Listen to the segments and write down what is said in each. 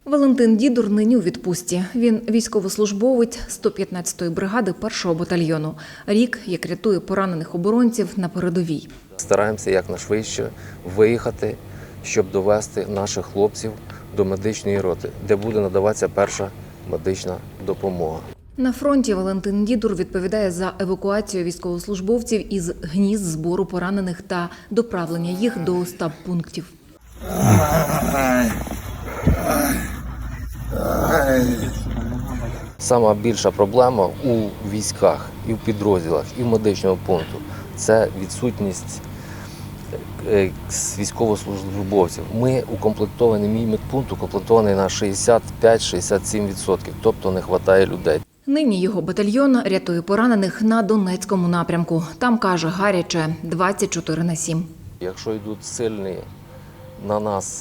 Валентин Дідур нині у відпустці. Він військовослужбовець 115-ї бригади 1-го батальйону. Рік, як рятує поранених оборонців на передовій. Стараємося якнайшвидше виїхати, щоб довести наших хлопців до медичної роти, де буде надаватися перша медична допомога. На фронті Валентин Дідур відповідає за евакуацію військовослужбовців із гнізд збору поранених та доправлення їх до стаб-пунктів. Сама більша проблема у військах і в підрозділах, і в медичному пункту – це відсутність військовослужбовців. Ми укомплектовані, мій медпункт укомплектований на 65-67%, тобто не вистачає людей. Нині його батальйон рятує поранених на Донецькому напрямку. Там, каже, гаряче 24/7. Якщо йдуть сильні на нас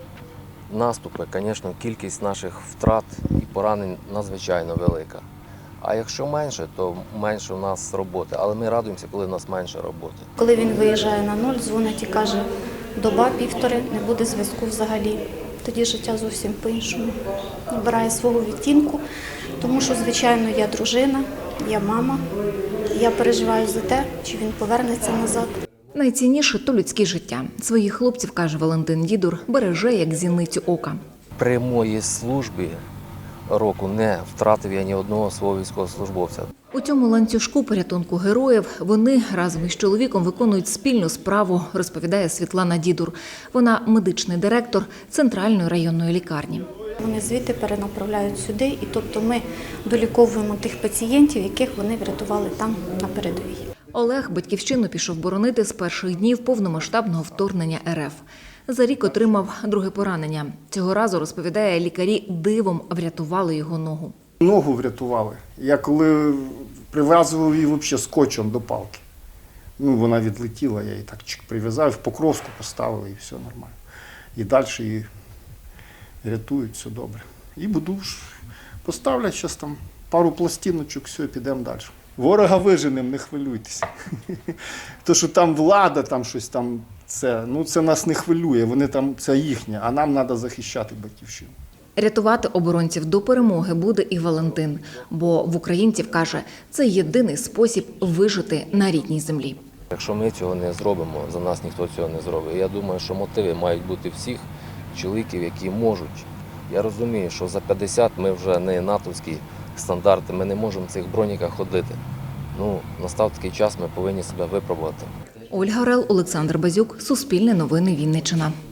наступи, звісно, кількість наших втрат і поранень надзвичайно велика. А якщо менше, то менше у нас роботи. Але ми радуємося, коли в нас менше роботи. Коли він виїжджає на нуль, дзвонить і каже, доба-півтори, не буде зв'язку взагалі. Тоді життя зовсім по-іншому набирає свого відтінку, тому що, звичайно, я дружина, я мама, я переживаю за те, чи він повернеться назад. Найцінніше – то людське життя. Своїх хлопців, каже Валентин Дідур, береже як зіницю ока. При моїй службі року не втратив я ні одного свого військовослужбовця. У цьому ланцюжку порятунку героїв вони разом із чоловіком виконують спільну справу, розповідає Світлана Дідур. Вона медичний директор Центральної районної лікарні. Вони звідти перенаправляють сюди, і тобто ми доліковуємо тих пацієнтів, яких вони врятували там на передовій. Олег батьківщину пішов боронити з перших днів повномасштабного вторгнення РФ. За рік отримав друге поранення. Цього разу, розповідає, лікарі дивом врятували його ногу. Ногу врятували. Я коли прив'язував її взагалі скотчем до палки. Вона відлетіла, я її так прив'язав, в Покровську поставили і все нормально. І далі її рятують, все добре. І буду поставлять зараз там пару пластиночок, все, і підемо далі. Ворога виженемо, не хвилюйтеся. То, що там влада, там щось там, це нас не хвилює, вони там, це їхнє, а нам треба захищати батьківщину. Рятувати оборонців до перемоги буде і Валентин, бо в українців, каже, це єдиний спосіб вижити на рідній землі. Якщо ми цього не зробимо, за нас ніхто цього не зробить. Я думаю, що мотиви мають бути всіх чоловіків, які можуть. Я розумію, що за 50 ми вже не натовські стандарти, ми не можемо в цих броніках ходити. Настав такий час, ми повинні себе випробувати. Ольга Орел, Олександр Базюк, Суспільне новини, Вінниччина.